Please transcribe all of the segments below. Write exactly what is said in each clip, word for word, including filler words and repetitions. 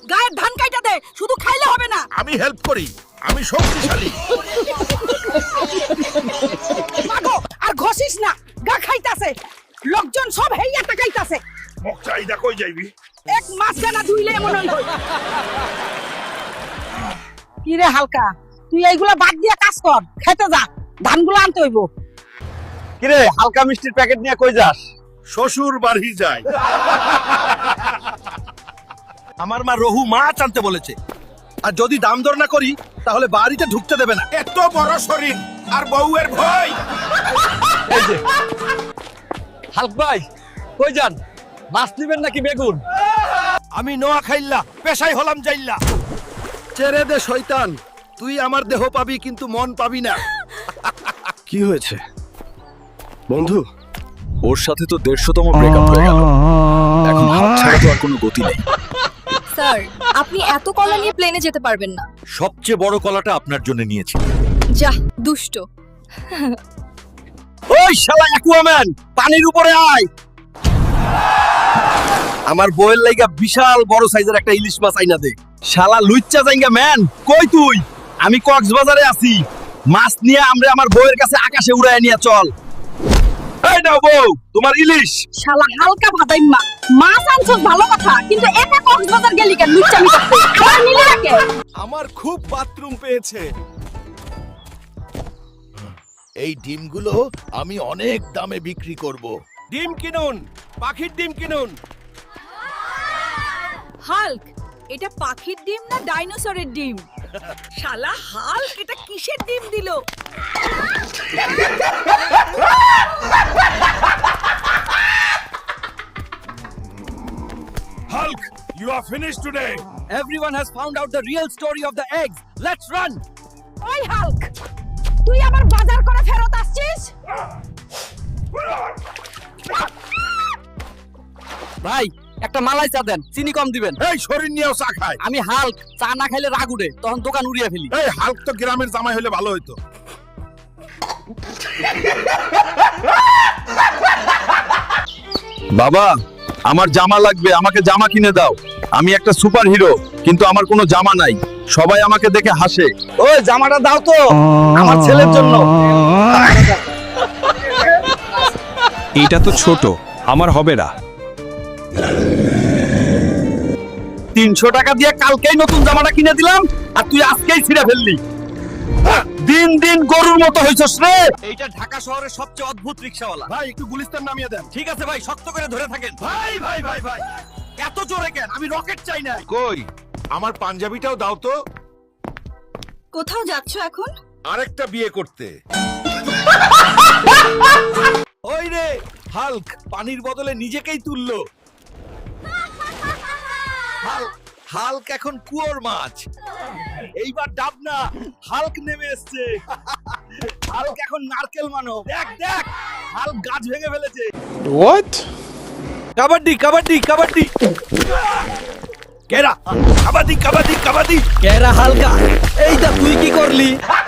গায়ের ধান কাইটা দে, শুধু খাইলে হবে না। আমি হেল্প করি, আমি শক্তিশালী। মাগো, আর ঘষিস না, গা খাইতাছে। লোকজন সব হেইয়া তাকাইতাছে। মুখ চাইদা কই যাইবি? এক মাস গানা ধুইলে এমন হইল। কি রে হালকা, তুই এইগুলা বাদ দিয়া কাজ কর, খেতে যা, ধানগুলো আনতে হইব। কি রে হালকা মিষ্টির প্যাকেট নিয়ে কই যাস? শ্বশুর বাড়ি যায়। আমার মা রহু মাছ আনতে বলেছে, আর যদি দাম দর না করি তাহলে বাড়িতে ঢুকতে দেবে না। এত বড় শরীর আর বউয়ের ভয়। এই যে হালক ভাই, কই যান? মাছ নিবেন নাকি বেগুন? আমি নোয়া খাইল্লা, পেশাই হলাম যাইল্লা। ছেড়ে দে শয়তান, তুই আমার দেহ পাবি কিন্তু মন পাবি না। কি হয়েছে বন্ধু? ওর সাথে তো দেড়শোতম ব্রেকআপ হয়ে গেল, এখন হাত ছাড়া তো আর কোনো গতি নেই। স্যার, আপনি এত কলা নিয়ে প্লেনে যেতে পারবেন না। সবচেয়ে বড় কলাটা আপনার জন্য নিয়েছি। যা দুষ্ট। ওই শালা অ্যাকুয়াম্যান, পানির উপরে আয়। আমার বউয়ের লাইগা বিশাল বড় সাইজের একটা ইলিশ মাছ আইনা দে। শালা লুচ্চা জাইঙ্গা ম্যান, কই তুই? আমি কক্সবাজারে আছি, মাছ নিয়ে আমরা আমার বউয়ের কাছে আকাশে উড়ায় নিয়ে চল। এই নাও বউ, তোমার ইলিশ। শালা হালকা ভাদাইম্মা, মাছ আনছস ভালো কথা, কিন্তু একা কক্সবাজার গেলি কেন? লুচ্চামি করতে আমার মিলে রাখে। আমার খুব বাথরুম পেয়েছে। এই ডিমগুলো আমি অনেক দামে বিক্রি করব। ডিম কিনুন, পাখির ডিম কিনুন। হাল্ক, এটা পাখির ডিম না ডাইনোসরের ডিম? শালা হাল্ক, এটা কিসের ডিম দিল? Hulk, you are finished today. Everyone has found out the real story of the eggs. Let's run. ওই হাল্ক, তুই আবার বাজার করে ফেরত আসছিস? ভাই, একটা মালাই চা দেন, চিনি কম দিবেন। এই শরীর নিয়েও চা খায়। আমি হাল্ক, চা না খাইলে রাগ উঠে, তখন দোকান উড়িয়ে ফেলি। এই হাল্ক তো গ্রামের জামাই হলে ভালো হইতো। বাবা, আমার জামা লাগবে, আমাকে জামা কিনে দাও। আমি একটা সুপার হিরো, কিন্তু আমার কোনো জামা নাই। সবাই আমাকে দেখে হাসে। ওই জামাটা দাও তো, আমার ছেলের জন্য। এটা তো ছোট, আমার হবে না। তিনশো টাকা দিয়ে কালকেই নতুন জামাটা কিনে দিলাম, আর তুই আজকেই ছিঁড়ে ফেললি। দিন দিন গরুর মতো হইছস রে। এইটা ঢাকা শহরের সবচেয়ে অদ্ভুত রিকশাওয়ালা। ভাই একটু গুলিস্তান নামিয়ে দেন। ঠিক আছে ভাই, শক্ত করে ধরে থাকেন। ভাই ভাই ভাই ভাই, এত জোরে কেন? আমি রকেট চাই না। কই আমার পাঞ্জাবিটাও দাও তো। কোথাও যাচ্ছ এখন? আরেকটা বিয়ে করতে। ওই রে হাল্ক, পানির বদলে নিজেকেই তুললো। হাল্ক, হাল্ক এখন কুয়োর মাছ। এইবার ডাব না, হাল্ক নেমে এসছে। হাল্ক এখন নারকেল মানব। দেখ দেখ, হাল্ক গাছ ভেঙে ফেলেছে। হোয়াট? কাবাডি কাবাডি কাবাডি। কেরা কাবাডি কাবাডি কাবাডি। কেরা হালকা, এই দা তুই কি করলি?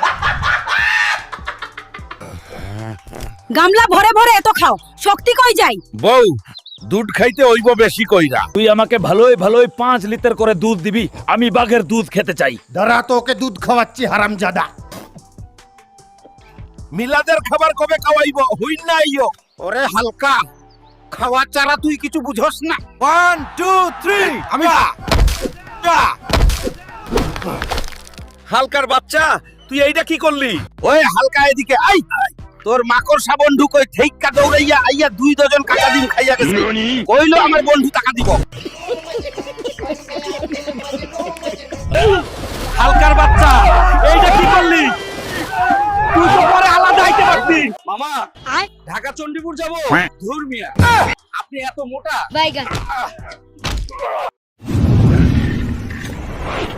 গামলা ভরে ভরে এত খাও, শক্তি কই যায়? বউ, দুধ খাইতে হইব বেশি কইরা। তুই আমাকে ভালোই ভালোই পাঁচ লিটার করে দুধ দিবি, আমি বাঘের দুধ খেতে চাই। দাঁড়া, তোকে দুধ খাওয়াচ্ছি হারামজাদা। মিলাদের খাবার কবে খাওয়াইব? হুইন না আইও। ওরে হালকা, খাওয়া চারা তুই কিছু বুঝস না। One two three. আমি হালকার বাচ্চা, তুই এইটা কি করলি? ওই হালকা এদিকে আই। তোর মাকড়সা বন্ধু কই থেইকা দৌড়াইয়া আইয়া দুই ডজন কাকা ডিম খাইয়া গেছে। কইলো আমার বন্ধু টাকা দিব। হালকার বাচ্চা, এইটা কি করলি? তুই তো পরে আলাদা আইতে পারতি। মামা, ঢাকা চণ্ডীপুর যাব। ধুর মিয়া, আপনি এত মোটা। বাইগান।